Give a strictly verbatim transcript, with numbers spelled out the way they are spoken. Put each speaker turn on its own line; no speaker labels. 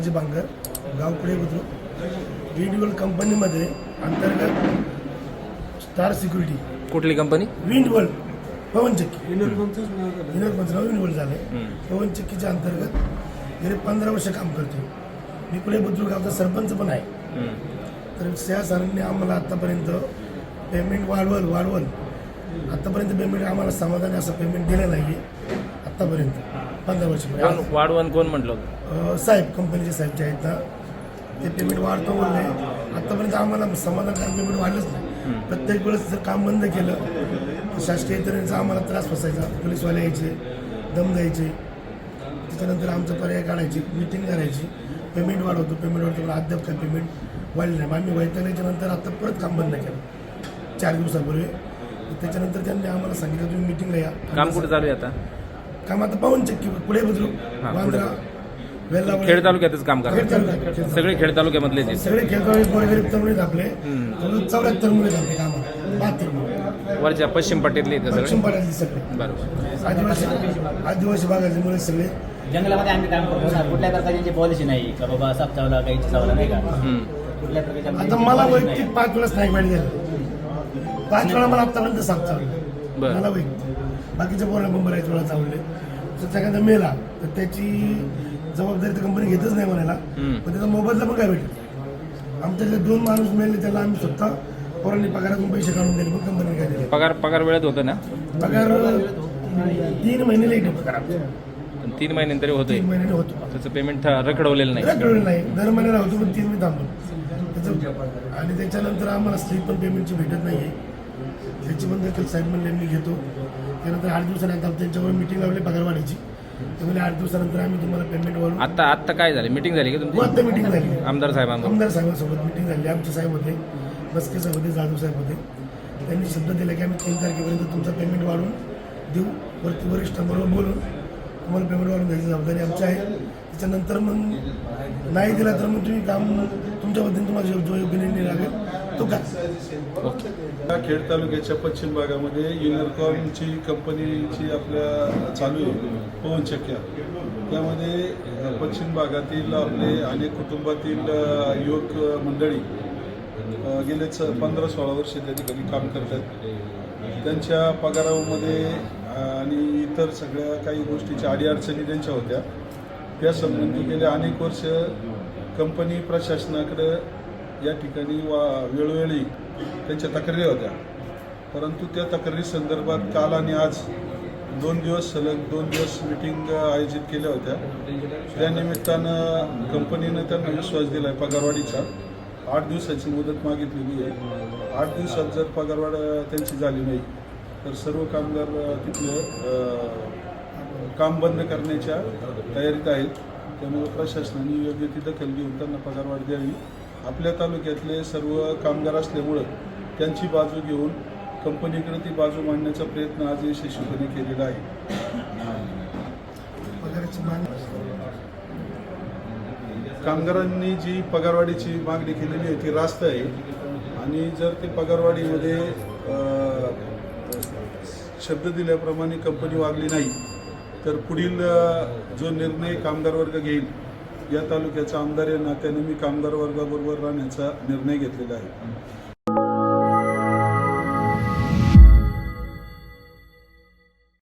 संभाजी बांगर, गाव पुढे बुद्रुक. विंडवर्ल कंपनीमध्ये अंतर्गत स्टार सिक्युरिटी.
कुठली कंपनी?
विंडवर्ल पवनचक्की. विनोद विंडवर्ल झाले. पवनचक्कीच्या अंतर्गत गेले पंधरा वर्ष काम करतो. मी पुढे बुद्रुक गावचा सरपंच पण आहे. तर त्या सरांनी आम्हाला आतापर्यंत पेमेंट वाढवल वाढवल आतापर्यंत पेमेंट आम्हाला समाधानी असं पेमेंट दिलं नाही आतापर्यंत पंधरा वर्ष.
वाढवण कोण म्हटलं होतं?
साहेब कंपनीचे साहेब जे आहेत ना ते पेमेंट वाढतो बोलले. आतापर्यंत आम्हाला समाधानकारक पेमेंट वाढलंच नाही. प्रत्येक वेळेस जर काम बंद केलं तर शासकीय यंत्रणेचा आम्हाला त्रास बसायचा. पोलीसवाले यायचे, दम द्यायचे, त्याच्यानंतर आमचा पर्याय काढायची, मिटिंग करायची, पेमेंट वाढवतो पेमेंट वाढतो. अद्याप काय पेमेंट वाढलं नाही. आम्ही वैतागल्याच्या नंतर आता परत काम बंद केलं चार दिवसापूर्वी. त्याच्यानंतर त्यांनी आम्हाला सांगितलं तुम्ही मिटिंगला या.
काम कुठे चालू आहे आता?
काम आता पवनचक्की पुढे बुद्रुक, बांद्रा, वेल्ला.
खेड तालुक्यातच काम करा. सगळे खेड तालुक्यामधले
सगळे खेळ गोरगरीब तरुण आपले चौऱ्याहत्तर मुले आपले काम बहात्तर मुले
वरच्या पश्चिम पट्ट्यातले
पश्चिम पट्ट्यातले सगळे.
बरोबर.
आदिवासी आदिवासी भागाचे मुले सगळे.
जंगलामध्ये आम्ही काम करतो ना. कुठल्या प्रकारची पॉलिसी नाही का बाबा साप चावला काही चावला नाही का कुठल्या प्रकारच्या.
आता मला वैयक्तिक पाच वेळेस नाही वाईट झालं. पाच वेळा मला आतापर्यंत साप चावले मला वैयक्तिक. बाकीच्या पोरांना पण बऱ्याच वेळा चावले. तर एखादा मेला तर त्याची जबाबदारी तर कंपनी घेतच नाही म्हणायला. पण त्याचा मोबाईलला पण काय भेटलं. आमच्या जे दोन माणूस मेले त्याला आम्ही स्वतः पोरांनी पगारातून पैसे काढून दिले पण कंपनी काय दिले.
पगार पगार वेळेत होतं ना?
पगार तीन महिने लेट होतो पगार.
तीन महिन्यांतरी होतं.
तीन महिने होतो
त्याचं पेमेंट रखडवलेलं नाही.
रखडवलेलं नाही. दर महिन्याला होतो पण तीन महिने थांबतो त्याचं. आणि त्याच्यानंतर आम्हाला स्लीप पण पेमेंटची भेटत नाही आहे. त्याची पण देखील साहेब म्हणले मी घेतो. त्यानंतर आठ दिवसानंतर त्यांच्यावर मिटिंग लावली पगार वाढीची. त्यामुळे आठ दिवसानंतर आम्ही तुम्हाला पेमेंट वाढवू.
आता आता काय झालं? मिटिंग झाली का तुमची?
आता मिटिंग झाली
आमदार साहेबांना.
आमदार साहेबांसोबत मिटिंग झाली. आमचे साहेब होते, बसके साहेब होते, जाधव साहेब होते. त्यांनी शब्द दिला की आम्ही तीन तारखेपर्यंत तुमचा पेमेंट वाढवून देऊ. वरती वरिष्ठांबरोबर बोलून तुम्हाला पेमेंट वाढवून द्यायची जबाबदारी आमची आहे. त्याच्यानंतर मग नाही दिला तर मग तुम्ही काम तुमच्या पद्धतीने तुम्हाला जो जो योग्य निर्णय लागेल तो का.
खेड तालुक्याच्या पश्चिम भागामध्ये युनिकॉर्नची कंपनीची आपल्या चालू आहे पवनचक्क्या. त्यामध्ये पश्चिम भागातील आपले अनेक कुटुंबातील युवक मंडळी गेलेच पंधरा सोळा वर्ष त्या ठिकाणी काम करतात. त्यांच्या पगारामध्ये आणि इतर सगळ्या काही गोष्टीच्या अडीअडचणी त्यांच्या होत्या. त्या संबंधी गेल्या अनेक वर्ष कंपनी प्रशासनाकडे या ठिकाणी वा वेळोवेळी त्यांच्या तक्रारी होत्या. परंतु त्या तक्रारी संदर्भात काल आणि आज दोन दिवस सलग दोन दिवस मिटिंग आयोजित केल्या होत्या. त्या निमित्तानं कंपनीनं त्यांना विश्वास दिला आहे पगारवाढीचा. आठ दिवसाची मुदत मागितलेली आहे. आठ दिवसात जर पगारवाढ त्यांची झाली नाही तर सर्व कामगार तिथले काम बंद करण्याच्या तयारीत आहेत. त्यामुळे प्रशासनाने योग्य ती दखल घेऊन त्यांना पगारवाढ द्यावी. आपल्या तालुक्यातले सर्व कामगार असल्यामुळं त्यांची बाजू घेऊन कंपनीकडे ती बाजू मांडण्याचा प्रयत्न आज यशस्वीपणे केलेला आहे. कामगारांनी जी पगारवाढीची मागणी केलेली आहे ती रास्त आहे. आणि जर ते पगारवाढीमध्ये शब्द दिल्याप्रमाणे कंपनी वागली नाही तर पुढील जो निर्णय कामगार वर्ग घेईल या तालुक्याचा आमदार या नात्याने मी कामगार वर्गाबरोबर राहण्याचा निर्णय घेतलेला आहे.